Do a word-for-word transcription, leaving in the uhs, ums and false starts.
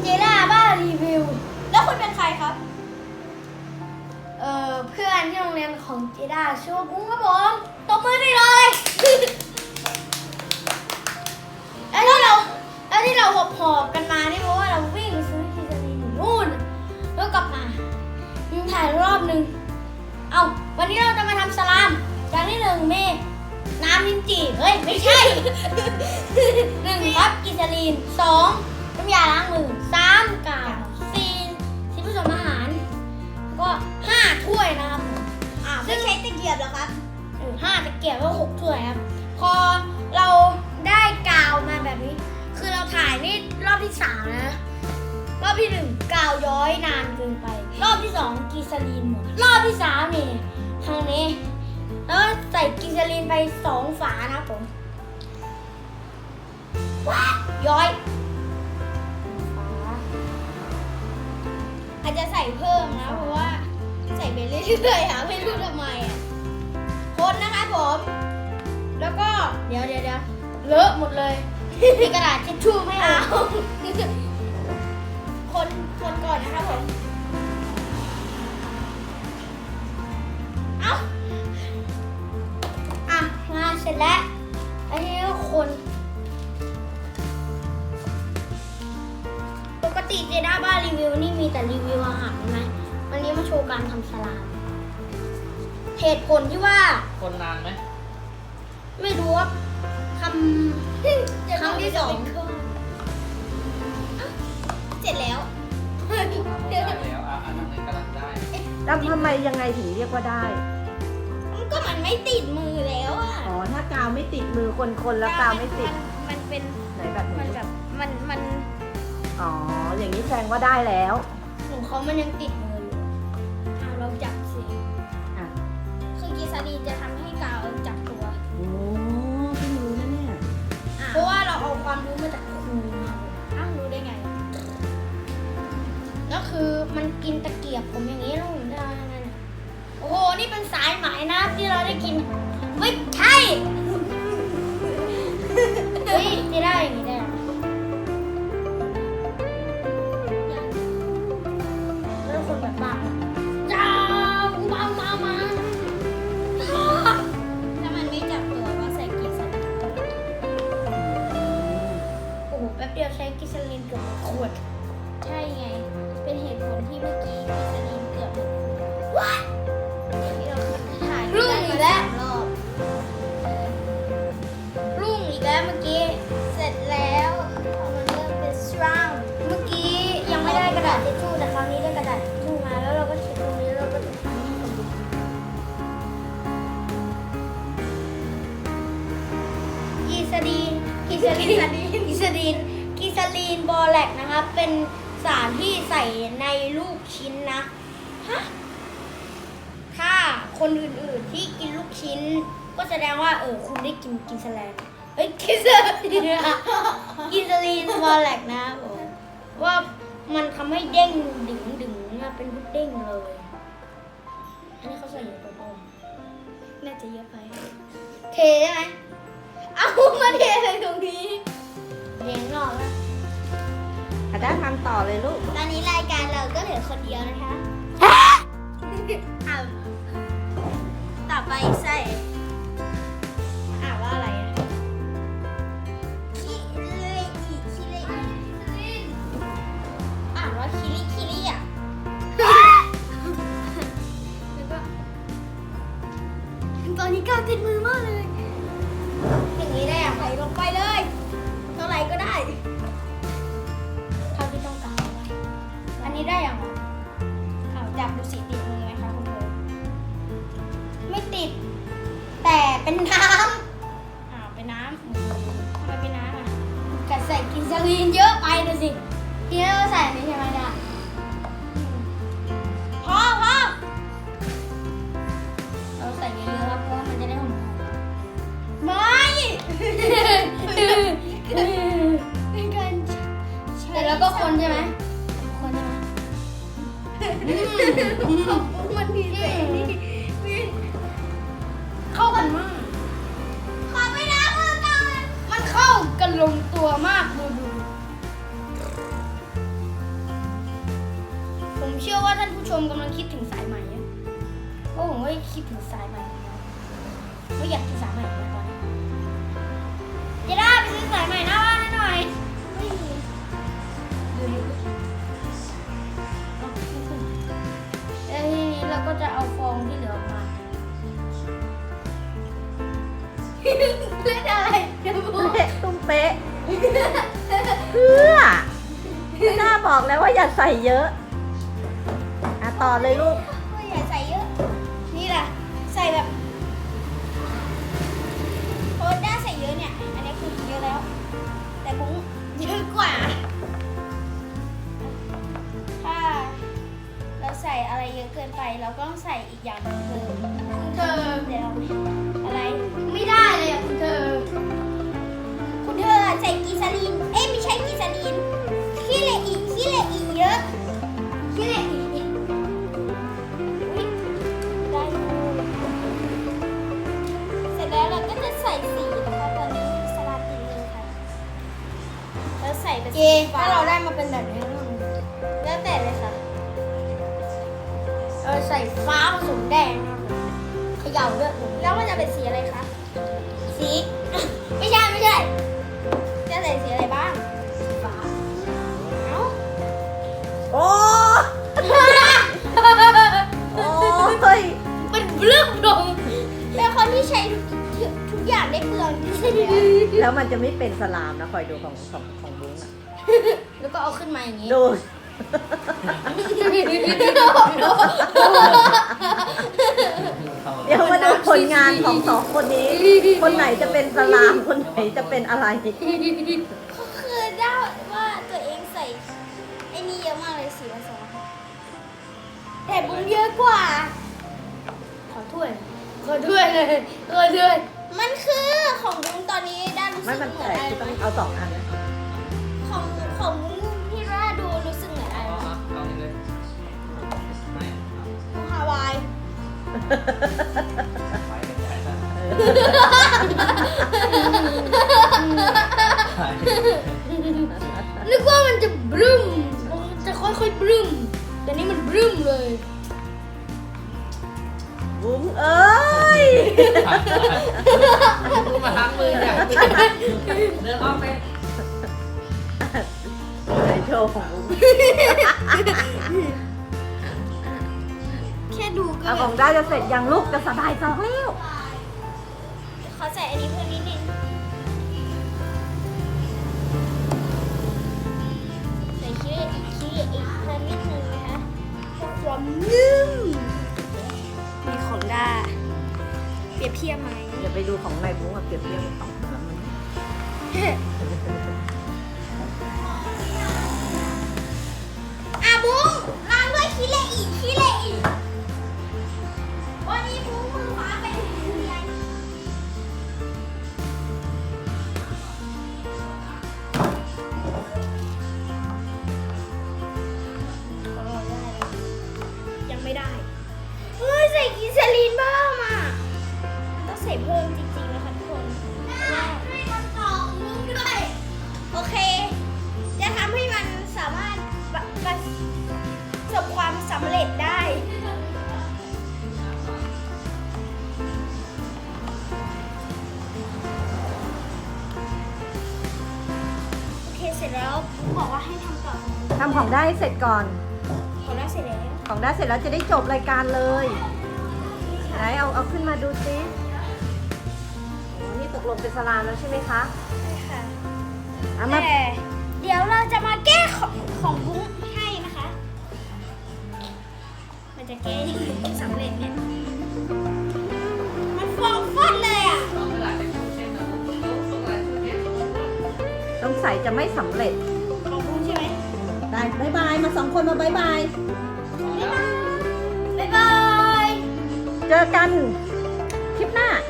เจด้าบ้ารีวิวแล้วคุณเป็นใครครับเอ่อเพื่อนที่โรงเรียนของเจด้าชื่อว่ากุ้งครับผมตบมือได้เลย แล้วที่เราแล้วที่เราหอบหอบกันมานี่เพราะว่าเราวิ่งไปซื้อกีซาลีนอยู่นู่นแล้วกลับมายังถ่ายรอบหนึ่งเอาวันนี้เราจะมาทำสลามอย่างที่หนึ่งเมน้ำลิ้นจี่เฮ้ยไม่ใช่ หนึ่งครับกีซาลีนสองน้ำยาล้างมือสามกาวสี่สีผสมอาหารแล้วก็ห้าถ้วยนะครับผมอ่าไม่ใช้ตะเกียบเหรอครับเออห้าตะเกียบแล้วหกถ้วยครับพอเราได้กาวมาแบบนี้ คือเราถ่ายนี่รอบที่สามนะรอบที่หนึ่งกาวย้อยนานเกินไป รอบที่สองกีซาลีนหมดรอบที่สามนี่ทางนี้แล้วใส่กีซาลีนไปสองฝานะครับผมว้าย้อยฝาอาจจะใส่เพิ่มนะเพราะว่าใส่ไปเรื่อยๆอ่ะไม่รู้ทำไมอ่ะคนนะคะผมแล้วก็เดี๋ยวเดี๋ยวเดี๋ยวเลอะหมดเลยมีกระดาษทิชชู่ไม่เอาคนคนก่อนนะคะผมเอ้าอ่ะงานเสร็จแล้วอันนี้ก็คนปกติเจด้าบ้ารีวิวนี่มีแต่รีวิวอาหารใช่ไหมวันนี้มาโชว์การทำสลามเหตุผลที่ว่าคนนานไหมไม่รู้ว่าทำ ครั้งที่สองเสร็จแล้วได้แล้วอ่ะอันนั้นกำลังได้แล้วทำไมยังไงถึงเรียกว่าได้มันก็มันไม่ติดมือแล้วอ่ะอ๋อ ถ้ากาวไม่ติดมือคนคนๆแล้วกาวไม่ติดนมันเป็นไหนแบบไหนมันแบบมันมันอ๋อ อย่างนี้แสดงว่าได้แล้วของเขามันยังติดมืออยู่อ่ะเราจับสิอ่ะคือกีซาลีนจะทำให้กาวจับตัวโอ้เพิ่งรู้นะเนี่ยอ่ะเพราะว่าเราเอาความรู้มาจากครูมาอ้าวรู้ได้ไงก็คือมันกินตะเกียบผมอย่างนี้แล้วผมได้ไงเนี่ยโอ้โห นี่เป็นสายไหมนะที่เราได้กิน ไม่ใช่ เฮ้ยจะได้อย่างนี้ได้เหรอแล้วคนแบบบ้าจ้ามามามาจ้าถ้ามันไม่จับตัวก็ใส่กีซาลีนโอ้โห แป๊บเดียวใช้กิซาลินเกือบหมดขวดใช่ไง เป็นเหตุผลที่เมื่อกี้กีซาลีนเกือบหมดว้าที่เราถ่ายรุ่งอีกแล้วสามรอบรุ่งอีกแล้วเมื่อกี้เสร็จแล้วมันเริ่มเป็นสตรองเมื่อกี้ยังไม่ได้กระดาษทิชชู่แต่คราวนี้ได้กระดาษทิชชู่มาแล้วเราก็เช็ดตรงนี้แล้วเราก็จะทำให้คนดูกีซาลีนกีซาลีนกีซาลีนกีซาลีนบอแลกนะครับเป็นสารที่ใส่ในลูกชิ้นนะฮะถ้าคนอื่นๆที่กินลูกชิ้น ก็แสดงว่าเออคุณได้กินกินสแลนเอ้ยกินซาลีนกินซาลีนบอแลกนะครับผมว่ามันทำให้เด้งดึงดึงมาเป็นพุดเด้งเลย อันนี้เขาใส่เยอะไปป่ะวะน่าจะเยอะไปเทได้ไหมเอามาเทเลยตรงนี้เทข้างนอกแล้วอาจารย์ทำต่อเลยลูกตอนนี้รายการเราก็เหลือคนเดียวนะคะอ้าวต่อไปใส่อ่านว่าอะไรอ่ะคิเลอิคิเลอิอ่านว่าคิริคิริอ่ะแล้วก็ตอนนี้กาวติดมือมากเลยอย่างนี้ได้อะใส่ลงไปเลยเท่าไหร่ก็ได้เท่าที่ต้องการเอาไว้อันนี้ได้อย่างไรอ้าวจับดูสิติดมือไหมคะคุณโบไม่ติด แต่เป็นน้อ้าวเป็นน้ำทำไมเป็นน้ำอ่ะำกัดใส่กินซาลีนเยอะไปเลยสิทีนี้เราใส่อันนี้ใช่ไหมจ๊ะพอพอเราใส่เยอะๆครับเพราะว่ามันจะได้หอมไม่ เป็นการใช้ๆแต่แล้วก็คนใช่ไหมคนใช่ไหมมันมีเศษนี่มีเข้ากันมากขอไปล้างมือก่อนมันเข้ากันลงตัวมากดูดูคิดถึงสายใหม่ไม่อยากกินสายใหม่เลยตอนนี้จะได้ไปซื้อสายใหม่หน้าบ้านให้หน่อยไม่มีดูดิแล้วทีนี้เราก็จะเอาฟองที่เหลือออกมา เล่นอะไรเดี๋ยวพูดเละตุ้มเป๊ะเพื่อหน้าบอกแล้วว่าอย่าใส่เยอะอ่ะต่อเลยลูกไม่อยากใส่เยอะ นี่แหละใส่แบบโพสด้าใส่เยอะเนี่ย อันนี้คือเยอะแล้ว แต่ผมเยอะกว่า ถ้าเราใส่อะไรเยอะเกินไป เราก็ต้องใส่อีกอย่างหนึงคือคุณเธอเดี๋ยวอะไร ไม่ได้เลยอะคุณเธอ คุณเธอใส่กีซาลีน เอ้ยไม่ใช่กีซาลีนขี้เหล็กอีกขี้เหล็กอีกเยอะขี้เหล็กอีกอุ๊ยได้อยู่เสร็จแล้วเราก็จะใส่สีนะคะตอนนี้สลัดตีเลยค่ะแล้วใส่เป็นสีฟ้าถ้าเราได้มาเป็นแบบนี้แล้วแต่เลยค่ะเออใส่ฟ้าผสมแดงนะคะเขย่าด้วยแล้วมันจะเป็นสีอะไรคะสี ไม่ใช่ไม่ใช่จะใส่สีอะไรบ้างสีฟ้าเอ้าโอ้โอ้ยเป็นเรื่องลงเป็นคนที่ใช้ทุกทุกอย่างได้เปลืองที่สุดเลยอะแล้วมันจะไม่เป็นสลามนะคอยดูของของของบุ้งอ่ะแล้วก็เอาขึ้นมาอย่างนี้ดู เดี๋ยวมาดูผลงานของสองคนนี้ คนไหนจะเป็นสลาม คนไหนจะเป็นอะไรก็คือได้ว่าตัวเองใส่ไอ้นี่เยอะมากเลยสีผสมแต่บุ้งเยอะกว่า ขอถ้วย ขอถ้วยเลย ขอถ้วย มันคือของบุ้งตอนนี้ด้านรู้สึไม่กมันเหมือแต่นอะไรคือต้องเอาสองอันนะของของบุ้งที่ว่าดูรู้สึกเหมือนอะไรเอานะเอาเอาเลยไม่เอาของฮาวายไปเป็นใหญ่ละไปนึกว่ามันจะบรึ้มมันจะค่อยๆบรึ้มแต่นี่มันบรึ้มเลยบุ้งเอ้ยดูมาล้างมือเนี่ยเดินออกไปในโชว์ของบุ้งแค่ดูก็เอาแบขอบ งได้จะเสร็จยังลูกจะสบายสองแล้วขอใส่อันนี้เพิ่มนิดนึงใส่ขี้เหล็กอีกขี้เหล็กอีกเพิ่มนิดนึงนะคะเพื่อความนุ่มมีของด้าเปรียบเทียบไหมอย่าไปดูของนายบุ้งกับเปรียบเทียบกับของแล้วมันอ่ะบุ้งล้างด้วยขี้เหล็กอีกขี้เหล็กอีกวันนี้บุ้งมือขวาไปถึงเรียนยังไม่ได้เฮ้ยใส่กินซาลีนเพิ่มอ่ะมันต้องใส่เพิ่มจริงๆนะคะทุกคนให้มันต่อมุ้งด้วยโอเค จะทำให้มันสามารถประประสบความสำเร็จได้ โอเคเสร็จแล้วบอกว่าให้ทำต่อทำของได้เสร็จก่อนขอได้เสร็จแล้วของได้เสร็จแล้วจะได้จบรายการเลย ไหนเอาเอาขึ้นมาดูซิโอ้นี่ตกลงเป็นสลามแล้วใช่ไหมคะใช่ค่ะเอามาแต่เดี๋ยวเราจะมาแก้ของของบุ้งให้นะคะ มันจะแก้ยังไงให้สำเร็จเนี่ย มันฟองฟอดเลยอ่ะต้องกระดาษเป็นเส้นนะต้องต้องอะไรเส้นต้องใส่จะไม่สำเร็จของบุ้งใช่ไหมได้บายบายมาสองคนมาบายบายบ๊ายบายเจอกันคลิปหน้า